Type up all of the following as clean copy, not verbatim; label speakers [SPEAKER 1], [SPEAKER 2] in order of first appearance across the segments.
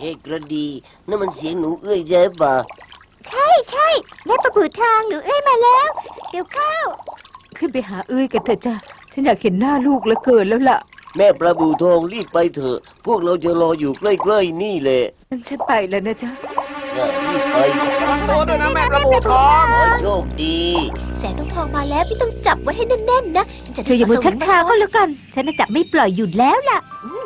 [SPEAKER 1] กระดีนั่นมันเสียงหนูเอ้ยใช่ปะ
[SPEAKER 2] ใช่แม่ประบูทางหนูเอ้ยมาแล้วเดี๋ยวเข้า
[SPEAKER 3] ขึ้นไปหาเอ้ยกันเถอะจ้ะฉันอยากเห็นหน้าลูกเหลือเกินแล้วล่ะ
[SPEAKER 1] แม่ประบูทองรีบไปเถอะพวกเราจะรออยู่ใกล้ๆนี่แหละ
[SPEAKER 3] ฉันไปแล้วนะจ๊ะ
[SPEAKER 1] รีบไป
[SPEAKER 4] ตัวด้วยนะแม่ประบูทอง
[SPEAKER 1] ขอโชคดี
[SPEAKER 2] แสงทองมาแล้วพี่ต้องจับไว้ให้แน่นๆนะ
[SPEAKER 3] เธออย่ามือชักช้าก็แล้วกันฉันจะจับไม่ปล่อยหยุดแล้วล่ะ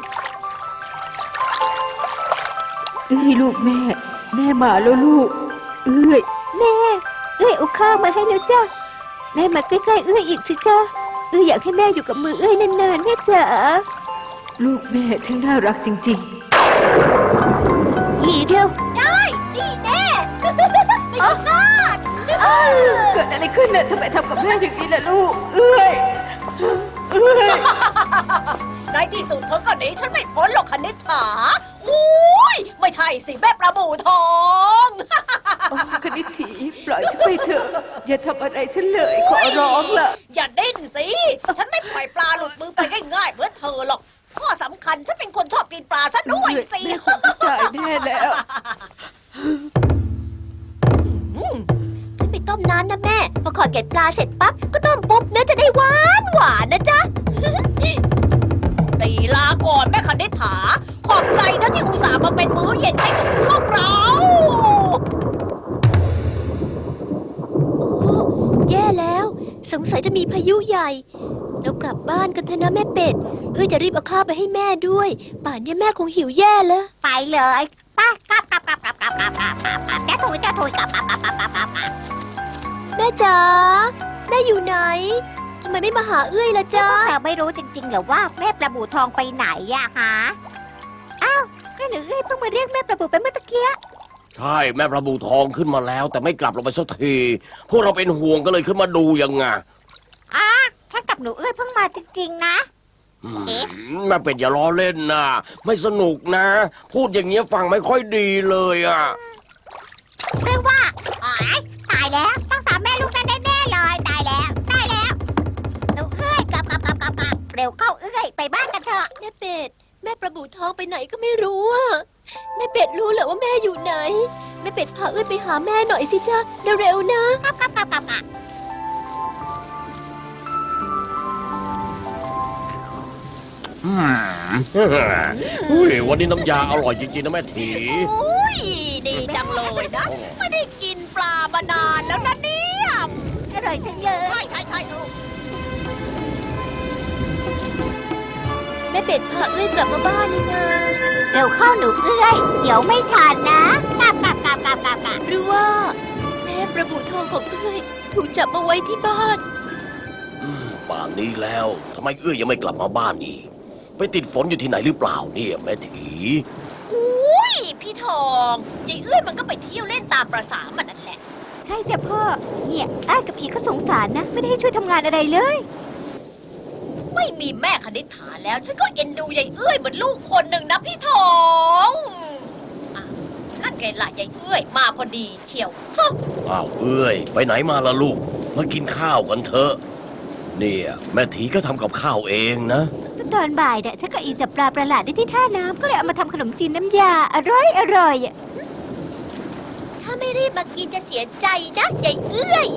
[SPEAKER 3] เอ้ยลูกแม่มาแล้วลูกเอ้ย
[SPEAKER 2] แม่เอาข้าวมาให้แล้วจ้ะแม่มาใกล้ๆเอ้ยอีกสิจ้ะอยากให้แม่อยู่กับมือเอ้ยนานๆแม่จ๋า
[SPEAKER 3] ลูกแม่ช่างน่ารักจริง
[SPEAKER 2] ๆอีเดียวได้ดีแน่เอาพลาด
[SPEAKER 3] เกิดอะไรขึ้นน่ะทำไมทำกับแม่อย่างนี้ล่ะลูกเอ้ย
[SPEAKER 5] ในที่สุดเธอก็หนีฉันไม่พ้นหรอกคณิษฐาอุ้ยไม่ใช่สิแม่ประบูทอง
[SPEAKER 3] คณิตถีปล่อยฉันไปเถอะอย่าทำอะไรฉันเลยขอร้องล่ะ
[SPEAKER 5] อย่าดิ้นสิฉันไม่ปล่อยปลาหลุดมือไปง่ายๆเหมือนเธอหรอกข้อสำคัญฉันเป็นคนชอบกินปลาซะด้วยสิ
[SPEAKER 3] ตายแน่แล้ว
[SPEAKER 2] ฉันไปต้มน้ำนะแม่พอขอดเกล็ดปลาเสร็จปั๊บก็ต้มปุ๊บเนื้อจะได้หวานนะจ๊ะ
[SPEAKER 5] ตีลาก่อนแม่คณิษฐาขอบใจนะที่อุตส่าห์มาเป็นมื้อเย็นให้กับพวกเรา
[SPEAKER 2] แย่แล้วสงสัยจะมีพายุใหญ่แล้วกลับบ้านกันเถอะนะแม่เป็ดจะรีบเอาข้าวไปให้แม่ด้วยป่านนี้แม่คงหิวแย่แล้วไปเลยป้ากลับแม่ถุยกลับแม่จ๋าแม่อยู่ไหนทำไมไม่มาหาเอื้อยล่ะจ๊ะแต่ไม่รู้จริงๆเหรอว่าแม่ประบูทองไปไหนอะฮะอ้าวก็หนูเอื้อยเพิ่งมาเรียกแม่ประบูไปเมื่อตะเกีย
[SPEAKER 1] ใช่แม่ประบูทองขึ้นมาแล้วแต่ไม่กลับลงไปสักทีพวกเราเป็นห่วงก็เลยขึ้นมาดูยังไง
[SPEAKER 2] ฉันกับหนูเอื้อยเพิ่งมาจริงๆนะ
[SPEAKER 1] แม่เป็ดอย่าล้อเล่นนะไม่สนุกนะพูดอย่างเงี้ยฟังไม่ค่อยดีเลยอ่ะ
[SPEAKER 2] เรื่องว่าตายแล้วต้องสามแม่ลูกนั้นแน่ๆเลยตายแล้วหนูเอื้อยกลับเร็วเข้าเอื้อยไปบ้านกันเถอะแม่เป็ดแม่ประบูทองไปไหนก็ไม่รู้อะแม่เป็ดรู้เหรอว่าแม่อยู่ไหนแม่เป็ดพาเอื้อยไปหาแม่หน่อยสิจ๊ะเร็วๆนะ
[SPEAKER 1] วันนี้น้ำยาอร่อยจริงๆนะแม่ถี
[SPEAKER 5] ดีจังเลยนะไม่ได้กินปลามานานแล้วนะเนี่ย
[SPEAKER 2] อร่อยจังเลย
[SPEAKER 5] ใช่ลูก
[SPEAKER 2] แม่เป็ดพาเอื้อยกลับมาบ้านนี่นะเร็วเข้าหนูเอื้อยเดี๋ยวไม่ทันนะกลับหรือว่าแม่ประบูทองของเอื้อยถูกจับมาไว้ที่บ้าน
[SPEAKER 1] ป่านนี้แล้วทำไมเอื้อยยังไม่กลับมาบ้านอีกไปติดฝนอยู่ที่ไหนหรือเปล่าเนี่ยแม่ถี
[SPEAKER 5] อุ้ยพี่ทองยายเอื้อยมันก็ไปเที่ยวเล่นตามประสามันนั่นแหละ
[SPEAKER 2] ใช่จ้ะพ่อเนี่ยอ้ายกับอีก็สงสารนะไม่ได้ให้ช่วยทำงานอะไรเลย
[SPEAKER 5] ไม่มีแม่คณิษฐาแล้วฉันก็เอ็นดูยายเอื้อยเหมือนลูกคนหนึ่งนะพี่ทองนั่นไงล่ะยายเอื้อยมาพอดีเชียว
[SPEAKER 1] อ้าวเอื้อยไปไหนมาล่ะลูกมากินข้าวกันเถอะเนี่ยแม่ถีก็ทำกับข้าวเองนะ
[SPEAKER 2] ตอนบ่ายเนี่ยฉันกับอีจับปลาประหลาดได้ที่ท่าน้ำก็เลยเอามาทำขนมจีนน้ำยาอร่อยถ้าไม่รีบมากินจะเสียใจนะยายเอื้อย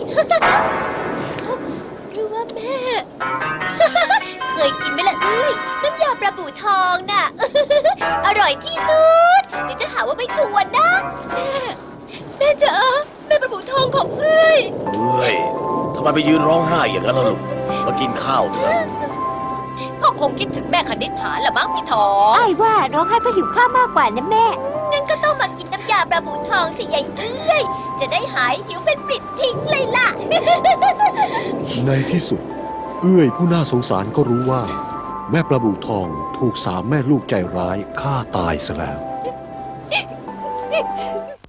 [SPEAKER 2] หรือว่าแม่เคยกินไหมล่ะเอื้อยน้ำยาปลาบู่ทองน่ะอร่อยที่สุดเดี๋ยวจะหาว่าไม่ชวนนะแม่จ๋าแม่ปลาบู่ทองของเอื้อย
[SPEAKER 1] ทำไมไปยืนร้องไห้อย่างนั้นล่ะลูกมากินข้าวเถอะ
[SPEAKER 5] ก็คงคิดถึงแม่คณิษฐาละมั้งพี่ทอง
[SPEAKER 2] อ้ายว่าร้องไห้เพราะหิวข้าวมากกว่านะแม่งั้นก็ต้องมากินน้ำยาปลาบูทองสิยายเอื้อยจะได้หายหิวเป็นปลิดทิ้งเลยล่ะ
[SPEAKER 6] ในที่สุดเอื้อยผู้น่าสงสารก็รู้ว่าแม่ปลาบูทองถูกสามแม่ลูกใจร้ายฆ่าตายซะแล้ว